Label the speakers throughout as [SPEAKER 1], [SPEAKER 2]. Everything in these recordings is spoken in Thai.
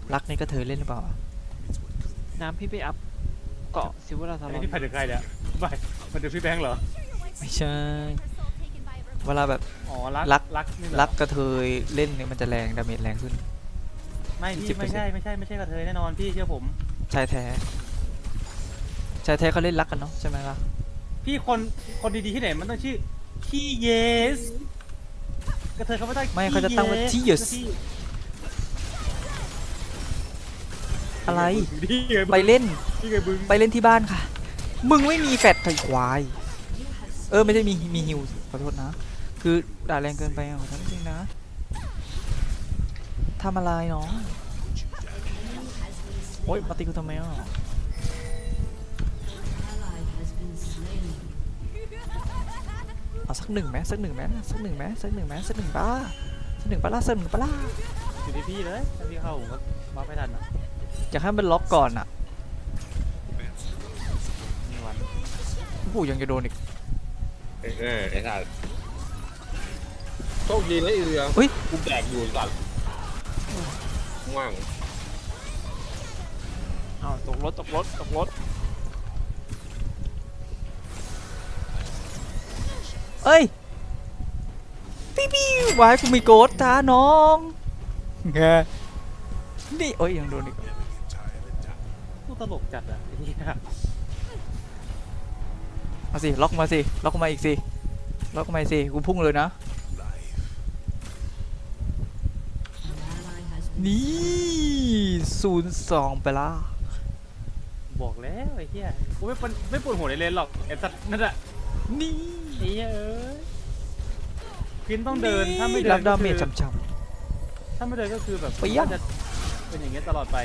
[SPEAKER 1] รักนี่ก็เธอเล่นหรือเปล่า
[SPEAKER 2] น้ำพี่ไปอัพเกาะซิวราทารอน
[SPEAKER 3] นี่ไปถึงใครเนี่ยไปมันดูพี่แบงค์เหรอ
[SPEAKER 1] ไม่ใช่เวลาแบบ
[SPEAKER 3] อ๋อ
[SPEAKER 1] รัก
[SPEAKER 3] นี่เหรอ
[SPEAKER 1] รักกระเทยเล่นเนี่ยมันจะแรงดาเมจแรงขึ้น
[SPEAKER 3] ไม่พี่ไม่ใช่กระเทยแน่นอนพี่เชื่อผม
[SPEAKER 1] ชายแท้เขาเล่นรักกันเนาะใช่ไหมล่ะ
[SPEAKER 3] พี่คนดีๆที่ไหนมันต้องชื่อขี้เยสกระเทยเขาไม่ต้อง
[SPEAKER 1] ไม่เขาจะตั้งว่าที่ยสอะไรไปเล่น
[SPEAKER 3] พี่ไงบึ้ง
[SPEAKER 1] ไปเล่นที่บ้านค่ะมึงไม่มีแฟดไถควายไม่ใช่มีฮิวขอโทษนะคือด่าแรงเกินไปขอโทษจริงนะทำอะไรเนาะโอ๊ยมาตีกูทำไมเอาสักหนึ่งไหมสักหนึ่งป้าสักหนึ่งปะล่ะ
[SPEAKER 3] อยู่ที่พี่เลยถ้าพี่เข้าผมก็มาไม่ทันอ่ะ
[SPEAKER 1] อยากให้มันล็อกก่อนอ่ะ
[SPEAKER 3] มีวัน
[SPEAKER 1] ผู้ยังจะโดนอีก
[SPEAKER 4] ไอ้สัตว์โชคดีนะไอ้เรือ
[SPEAKER 1] อุ้ย
[SPEAKER 4] กูแดกอยู่สัตว์ว่าง
[SPEAKER 2] อ้าวตกรถ
[SPEAKER 1] เอ้ยปิ้ววายกูมีโกดจ้าน้องไงนี่โอ้ยยังโดนอีก
[SPEAKER 3] พูดตลกจัดอ่ะไอ้เหี้ย
[SPEAKER 1] มาสิล็อกมาอีกสิล็อกมาอีกสิกูพุ่งเลยนะนี่02ไปละ
[SPEAKER 3] บอกแล้วไอ้เหี้ยกูไม่ปวดหัวในเลนหรอกไอ้สัตว์นั่นแหละ
[SPEAKER 1] นี่
[SPEAKER 3] ไอ้เหี้ยพินต้องเดินถ้าไม่เดิ
[SPEAKER 1] รั
[SPEAKER 3] น
[SPEAKER 1] บ
[SPEAKER 3] ก็
[SPEAKER 1] ดาเม
[SPEAKER 3] คือ
[SPEAKER 1] จช้ำ
[SPEAKER 3] ถ้าไม่เดินก็คือแบบ
[SPEAKER 1] ไปยัง
[SPEAKER 3] จะเป็นอย่างเงี้ยตลอดไป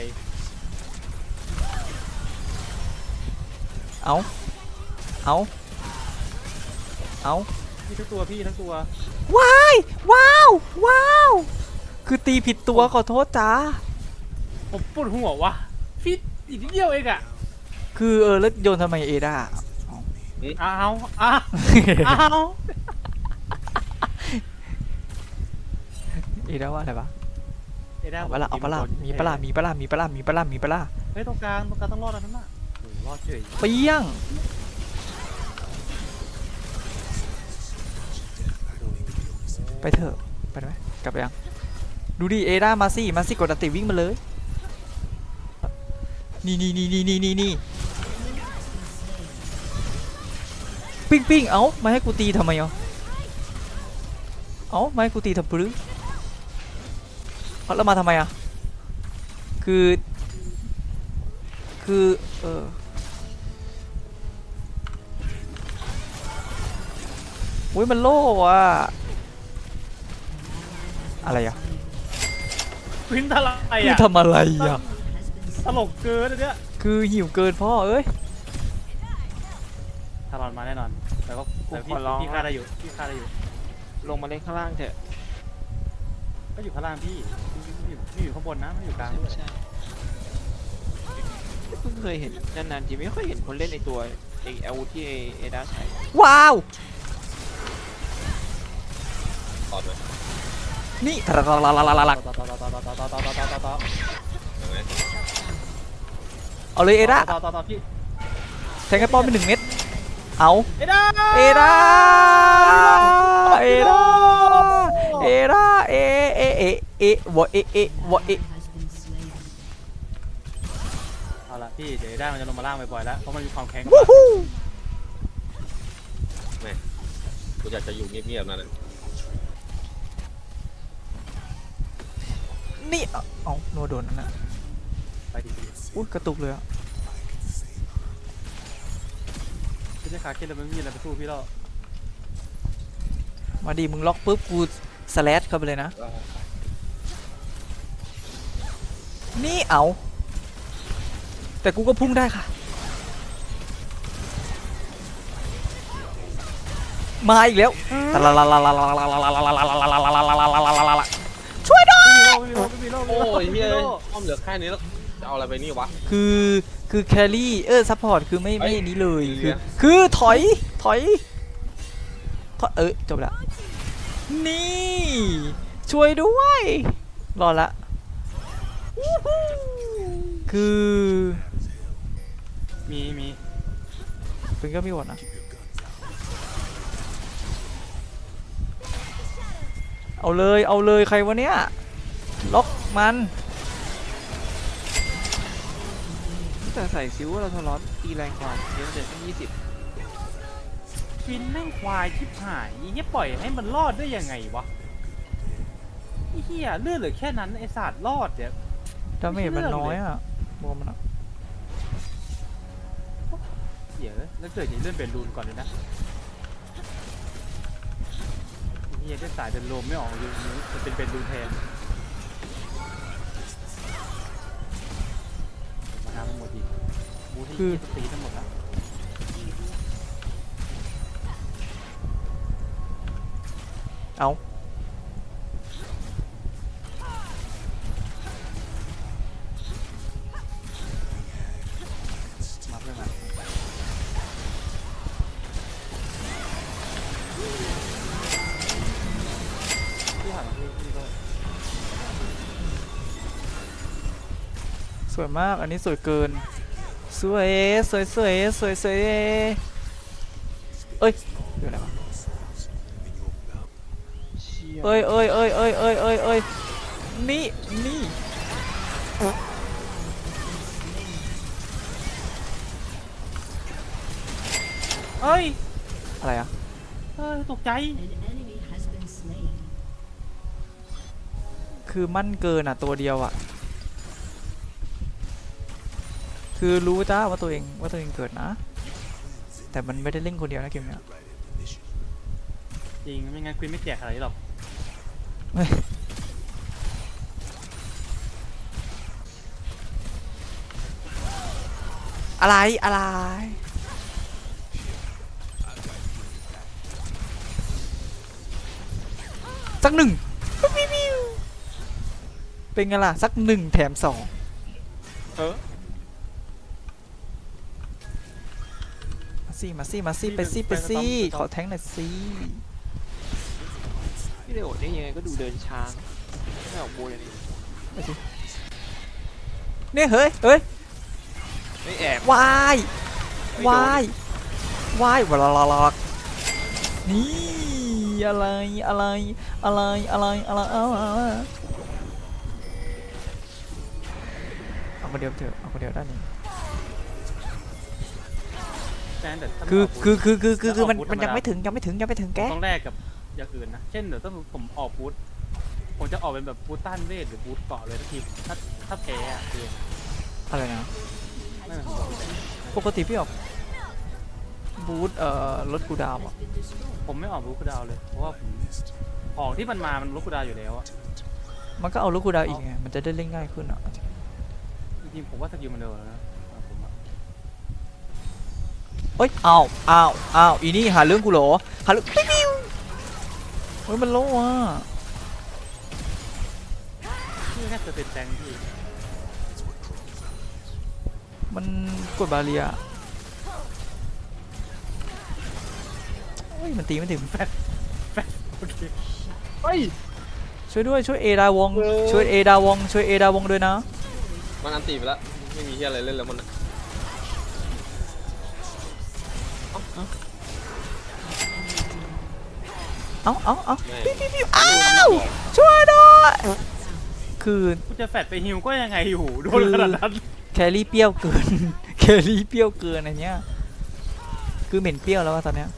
[SPEAKER 1] เอา
[SPEAKER 3] พี่ทั้งตัว
[SPEAKER 1] ว้าวคือตีผิดตัวขอโทษจ้า
[SPEAKER 3] ผมปวดหัววะฟิตอีกนิดเดียวเองอ่ะ
[SPEAKER 1] คือแล้วโยนทำไมเอด้า
[SPEAKER 3] เอา
[SPEAKER 1] เอด้าว่าอะไรวะ
[SPEAKER 3] เอ้ยได้
[SPEAKER 1] เอาปะล่ะมีปะล่ะ
[SPEAKER 3] เฮ้ยตรงกลางต้องรอดแล้วนั่นน่ะโอ้รอดเฉย
[SPEAKER 1] เปี้ยงไปเถอะไปได้ไหมกลับไปยังดูดิเอด้ามาสิกดอันติวิ่งมาเลยนี่ปิ้งเอ้ามาให้กูตีทำไมมาให้กูตีทำปลื้มแล้วมาทำไมคืออุ้ยมันโล่อะอะไร
[SPEAKER 3] พินทลาย
[SPEAKER 1] คือ
[SPEAKER 3] อ่ะ
[SPEAKER 1] ทำอะไร
[SPEAKER 3] ตลกเกินอันเนี้ย
[SPEAKER 1] คือหิวเกินพ่อเอ้ย
[SPEAKER 3] ทารอนมาแน่นอนแต่พี่ฆ่าได้อยู่
[SPEAKER 2] ลงมาเล่นข้างล่างเถอะ
[SPEAKER 3] ก็อยู่ข้างล่างพี่อยู่ข้างบนนะไม่อยู่กลางด้วย
[SPEAKER 2] ใช่เพิ่งเคยเห็นนานๆทีไม่ค่อยเห็นคนเล่นไอตัวไออาวุธที่เอด้าใช้
[SPEAKER 1] ว้าว
[SPEAKER 4] ตอดไหม
[SPEAKER 1] นี่ทะลัก
[SPEAKER 4] ต่อ
[SPEAKER 1] เอาเลยเอด้า
[SPEAKER 3] ต่อพี่
[SPEAKER 1] แทงให้ป้อมไป1 เม็ดเอา
[SPEAKER 3] เอ็ด้า
[SPEAKER 1] เอด้าวะ
[SPEAKER 3] เอาละพี่เดี๋ยวได้มันจะลงมาล่างบ่อยๆแล้วเพราะมันมีความแข็ง
[SPEAKER 1] วู้ฮู้
[SPEAKER 4] กูอยากจะอยู่เงียบๆนั่นแหละ
[SPEAKER 1] นี่เอาโนโดนนั่นนะ
[SPEAKER 3] ไปดิ
[SPEAKER 1] อุ้ยกระตุกเลยอะ
[SPEAKER 3] พี่จะขาเข็นแล้วมันมีอะไรไปสู้พี่แล้ว
[SPEAKER 1] มาดิมึงล็อกปุ๊บกูสแลชเข้าไปเลยนะนี่เอาแต่กูก็พุ่งได้ค่ะมาอีกแล้วช่วยด้วย
[SPEAKER 3] ไม่มีโล
[SPEAKER 4] โอ้ยเฮียอ้อมเหลือแค่นี้แล้วจะเอาอะไรไปนี่วะ
[SPEAKER 1] คือแครี่ซัพพอร์ตคือไม่นี้เลย
[SPEAKER 4] เฮ้ย
[SPEAKER 1] คือถอยจบละนี่ช่วยด้วยรอดละคือ
[SPEAKER 3] มี
[SPEAKER 1] เป็นก็มีหมดนะเอาเลยใครวะเนี่ยล็อกมัน
[SPEAKER 2] แต่ใส่ซิลเราทะเลาะตีแรงกว่าเยอะเลยตั้ง20
[SPEAKER 3] ฟินแม่งควายชิบหายอีเหี้ยปล่อยให้มันรอดได้ยังไงวะไอ้เหี้ยเลือดเหลือแค่นั้นไอ้ศาสตร์รอดเนี่ย
[SPEAKER 1] ดาเมจมันน้อยอ่ะบวกมันอะ
[SPEAKER 3] เหี้ยแล้วเกิดจะเลื่อนเป็นรูนก่อนเลยนะไอ้เหี้ยได้สายเดินโลมไม่ออกอยู่นี้มันเป็นรูนแทนมาทำมันหมดดีบูที่ตีทั้งหมดแล้ว
[SPEAKER 1] เอา
[SPEAKER 3] มาเพื่อนมาที่ผ่านมาพี่ก็
[SPEAKER 1] สวยมากอันนี้สวยเกินสวยเอ้ยเดี๋ยวอะไรวะ
[SPEAKER 2] เชี่ย
[SPEAKER 1] เอ้ยนี่
[SPEAKER 3] เอ้ย
[SPEAKER 1] อะไรอะ
[SPEAKER 3] ตกใจ
[SPEAKER 1] คือมั่นเกินอ่ะตัวเดียวอ่ะคือรู้จ้าว่าตัวเองเกิดนะ แต่มันไม่ได้เล่นคนเดียวนะเกมเนี้ย
[SPEAKER 3] จริงไม่งั้นควีนไม่แจกอะไรหรอก
[SPEAKER 1] อะไรสักหนึ่งเป็นไงล่ะสักหนึ่งแถมสอง มาสิไปสิขอแทงหน่อยสิ
[SPEAKER 2] พี่เลโอดได้ยังไงก็ดูเดินช้านะไม่ออกโบยอย่างนี้
[SPEAKER 1] ไปสิเนี่ยเฮ้ย
[SPEAKER 2] ไม่แอบ
[SPEAKER 1] วายวายวลานี่อะไรเอาคนเดียวเถอะเอาคนเดียวได้นี่
[SPEAKER 3] แต่ถ้า
[SPEAKER 1] คือมันยังไม่ถึงแก
[SPEAKER 3] ต้องแลกกับอย่างอื่นนะ เช่นเดี๋ยวถ้าผมออกบูทผมจะออกเป็นแบบบูทต้านเวทหรือบูทเกาะเลยทักทีถ้าแพ้อะคือ
[SPEAKER 1] อะไรนะ
[SPEAKER 3] ไม่เป็นไรผมบอกเลย
[SPEAKER 1] ปกติพี่ออกบูทลดกูดาวอ่ะ
[SPEAKER 3] ผมไม่ออกบูทคูลดาวน์เลย เพราะว่าผมของที่มันมามันลดคูลดาวน์อยู่แล้วอะ
[SPEAKER 1] มันก็เอาลดกูดาวอีกไงมันจะได้เล่นง่ายขึ้นอ่ะ
[SPEAKER 3] จริงๆผมว่าสกิลมันเร็วแล้วนะผมอะ
[SPEAKER 1] เอ้ยอ้าวอีนี่หาเรื่องกูเหรอหาเรื่องปิ้วเฮ้ยมันโลว่ะ
[SPEAKER 3] นี่แค่จะเป็นแตงที่
[SPEAKER 1] มันกดบาเรียเฮ้ยมันตีไม่ถึง
[SPEAKER 3] โอเค
[SPEAKER 2] เฮ้ย
[SPEAKER 1] ช่วยด้วยช่วยเอดาวงช่วยเอดาวงด้วยนะ
[SPEAKER 4] มันอันตีไปแล้วไม่มีเฮียอะไรเล่นแล้วมันอะ
[SPEAKER 1] เอา
[SPEAKER 4] แม่
[SPEAKER 1] ปิ้วอ้าวช่วยด้วยคือ
[SPEAKER 3] กูจะแฟดไปฮิวก็ยังไงอยู่โดนขนาดนั้น
[SPEAKER 1] แครี่เปรี้ยวเกิน อันเนี้ยคือเหม็นเปรี้ยวแล้วอะตอนเนี้ย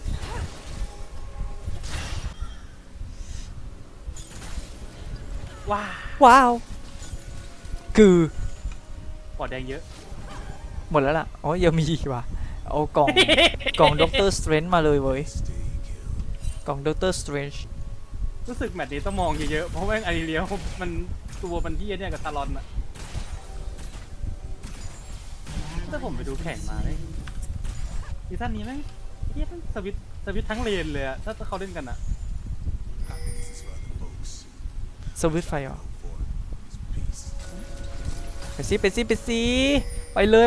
[SPEAKER 1] ว้าวคือ
[SPEAKER 3] ปอดแดงเยอะ
[SPEAKER 1] หมดแล้วล่ะอ๋อยังมีอีกว่ะเอากล่องด็อกเตอร์สเตรนจ์มาเลยเว้ยกล่องด็อกเตอร์สเตรนจ์
[SPEAKER 3] รู้สึกแมตช์นี้ต้องมองเยอะๆ เพราะว่าไอเลียวมันตัวมันที่เนี่ยกับตาลอนอะถ้าผมไปดูแข่งมาเลยซีซั่นนี้แม่งเฮียมันสวิตช์ทั้งเลนเลยอะถ้าเขาเล่นกันอะ
[SPEAKER 1] สวิตช์ไฟเหรอไปสิไปเลย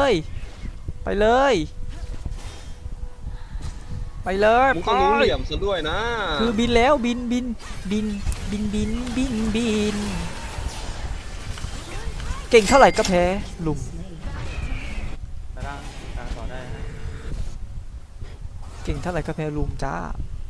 [SPEAKER 4] มึงต้องรู้เหลี่ยมซะด้วยนะ
[SPEAKER 1] คือบินแล้วบินเก่งเท่าไหร่ก็แพ้ลุม
[SPEAKER 3] กลางต่อได้นะ
[SPEAKER 1] เก่งเท่าไหร่ก็แพ้ลุมจ้า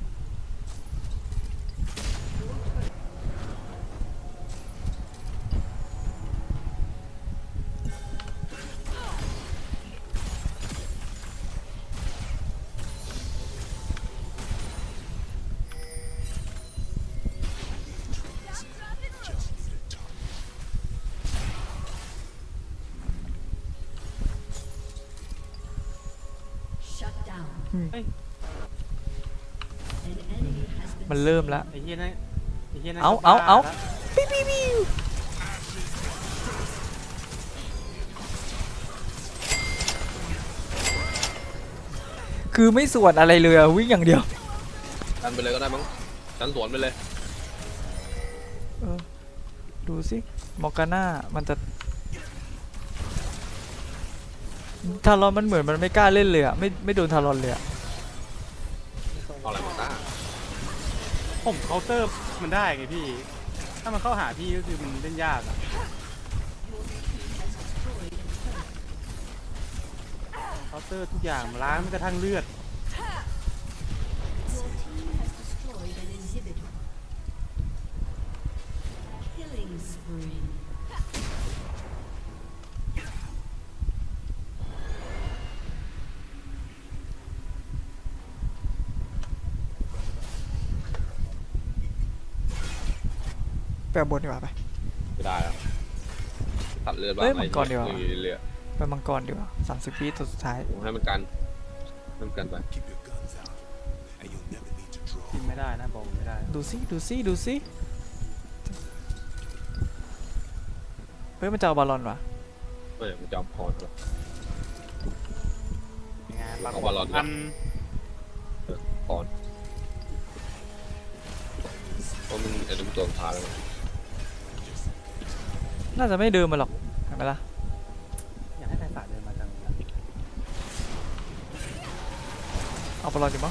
[SPEAKER 5] Shut down.
[SPEAKER 1] Hmm.
[SPEAKER 3] Hey.
[SPEAKER 5] An enemy has been
[SPEAKER 1] มันเริ่มแล้ว
[SPEAKER 3] ไอ้เหี้ยนั่นไอ้เหี้ยนั่น
[SPEAKER 1] เอา
[SPEAKER 3] ก็บ้
[SPEAKER 1] เอา
[SPEAKER 3] ละ
[SPEAKER 1] ปิ๊วปิ๊วปิ๊วคือไม่ส่วนอะไรเลยอะวิ่งอย่างเดียว
[SPEAKER 4] ดันไปเลยก็ได้มั้งดันสวนไปเลย
[SPEAKER 1] เออดูสิมอร์กาน่ามันจะทารอนมันเหมือนมันไม่กล้าเล่นเลยอะไม่โดนทารอนเลยอะ
[SPEAKER 4] เอาอะไรมาต้า
[SPEAKER 3] ผมเคาน์เตอร์มันได้ไงพี่ ถ้ามันเข้าหาพี่ก็คือมันเล่นยากอะเคาน์เตอร์ทุกอย่างล้างแม้กระทั่งเลือด
[SPEAKER 5] Your team has destroyed an inhibitor. Killing spree.
[SPEAKER 1] ไปเอาบนดีกว่าไป
[SPEAKER 4] ไม่ได้แล้วตัดเลือดบ้าง
[SPEAKER 1] เอ้ย
[SPEAKER 4] อะไร
[SPEAKER 1] มังกรดีกว่า
[SPEAKER 4] เรื่อย
[SPEAKER 1] ไปมังกรดีกว่า30 วิตัวสุดท้าย
[SPEAKER 4] ๆให้มันกันให้มันกันไป
[SPEAKER 6] Keep your guns out, and you'll never need to draw.
[SPEAKER 3] กินไม่ได้นะบอกไม่ได้
[SPEAKER 1] ดูสิดูสิดูสิเฮ้ยมันจะเอาบอลลอนวะ
[SPEAKER 4] ไม่มันจะเอาพรหรอก
[SPEAKER 3] ยังไงปราก
[SPEAKER 4] เอา
[SPEAKER 3] ฏ
[SPEAKER 4] บอลลอน
[SPEAKER 3] อัน
[SPEAKER 4] พรเพราะมันไอ้ตัวตัวสุดท้ายแล้ว
[SPEAKER 1] น่าจะไม่เดินมาหรอกเห็นไหมล่ะ
[SPEAKER 3] อยากให้ไทยศาสตร์เดินมาจังเลย
[SPEAKER 1] เอาบอลลอนดีมั้ง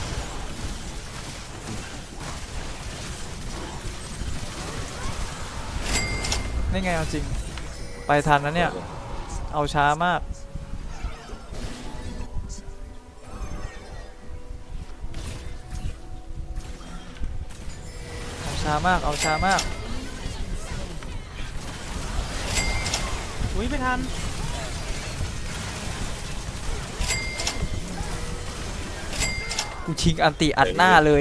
[SPEAKER 1] นี่ไงเอาจริงไปทันนะเนี่ยเอาช้ามากเอาช้ามากเอาช้ามาก
[SPEAKER 3] อุ้ยไม่ทัน
[SPEAKER 1] กูชิงอันติอัดหน้าเลย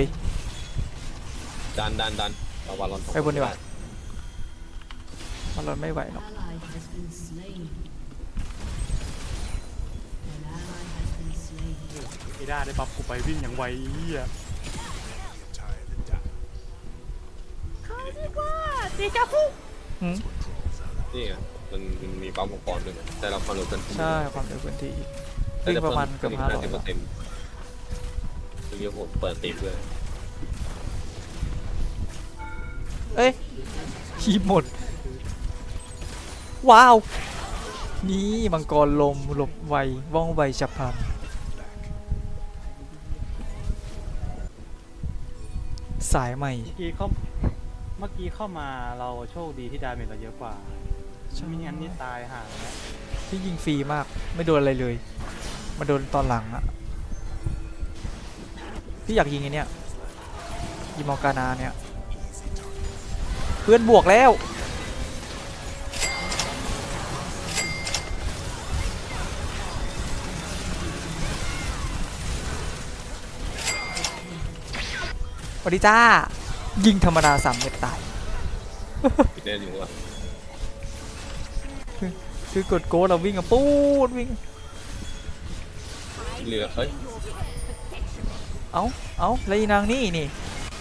[SPEAKER 4] ดันเอาบอลลอน
[SPEAKER 1] ไปบนดีกว่า บอลลอนไม่ไหวหรอก
[SPEAKER 5] Ally has been slain. An ally has been slain.
[SPEAKER 3] ไอ้ด้าได้บัฟกูไปวิ่งอย่างไวเหี้ย
[SPEAKER 6] You're tired of dying.
[SPEAKER 1] หืม
[SPEAKER 4] นี่ไงมันมีปั๊มมังกรด้วยไงแต่เราความเร็วเกิน
[SPEAKER 1] ใช่ความเร็วพื้นที่วิ่งประมาณเกือบ500
[SPEAKER 4] 50%เรียกผมเปิดตีด้วย
[SPEAKER 1] เอ้ยคีบหมด ว้าว นี่มังกรลมหลบไวว่องไวฉับพลันสายใหม่
[SPEAKER 3] เมื่อกี้เข้ามาเราโชคดีที่ดาเมจเราเยอะกว่าไม่งั้นนี่ตายห่าแล้ว
[SPEAKER 1] ที่ยิงฟรีมากไม่โดนอะไรเลย มาโดนตอนหลังอะพี่อยากยิงไอ้เนี่ยยิงมอร์กานาเนี่ยเพื่อนบวกแล้วสวัสดีจ้า ยิงธรรมดา3 เม็ดตาย
[SPEAKER 4] พี่เล่นอยู่ว่ะ
[SPEAKER 1] คือกดโกดเราวิ่งอะปูดวิ่ง
[SPEAKER 4] เหลือเฮ้ย
[SPEAKER 1] เอาแล้วอีนางนี่นี่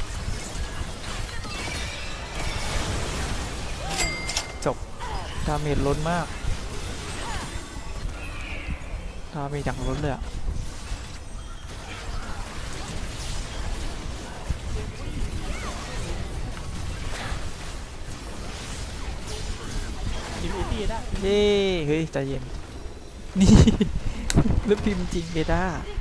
[SPEAKER 1] จบ ดาเมจล้นมาก ดาเมจอย่างล้นเลยอะ
[SPEAKER 3] ทีมเอตี้ได้
[SPEAKER 1] เย้ เฮ้ยใจเย็น นี่ แล้วพิมพ์จริงเบต้า
[SPEAKER 5] Victory.